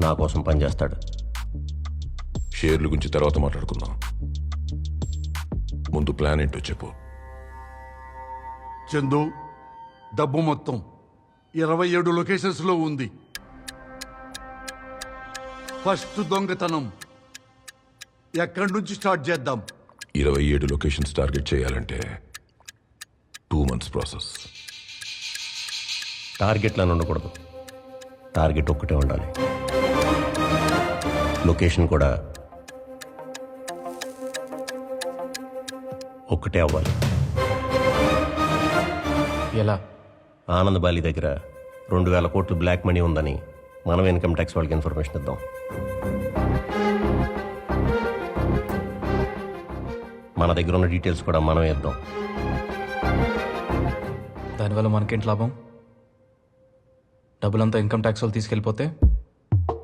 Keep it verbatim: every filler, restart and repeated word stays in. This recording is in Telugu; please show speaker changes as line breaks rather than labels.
నా కోసం పనిచేస్తాడు.
షేర్ల గురించి తర్వాత మాట్లాడుకుందాం. ముందు ప్లాన్ ఏంటో చెప్పు.
చందు, డబ్బు మొత్తం ఇరవై ఏడు లొకేషన్స్లో ఉంది. ఫస్ట్ దొంగతనం ఎక్కడి నుంచి స్టార్ట్ చేద్దాం?
ఇరవై ఏడు లొకేషన్స్ టార్గెట్ చేయాలంటే టూ మంత్స్ ప్రాసెస్.
టార్గెట్లను ఉండకూడదు, టార్గెట్ ఒక్కటే ఉండాలి. లొకేషన్ కూడా ఒక్కటే అవ్వాలి.
ఎలా?
ఆనంద్ బాలి దగ్గర రెండు వేల కోట్లు బ్లాక్ మనీ ఉందని మనం ఇన్కమ్ ట్యాక్స్ వాళ్ళకి ఇన్ఫర్మేషన్ ఇద్దాం. మన దగ్గర ఉన్న డీటెయిల్స్ కూడా మనమే ఇద్దాం.
దానివల్ల మనకేంటి లాభం? డబ్బులంతా ఇన్కమ్ ట్యాక్స్ వాళ్ళు తీసుకెళ్ళిపోతే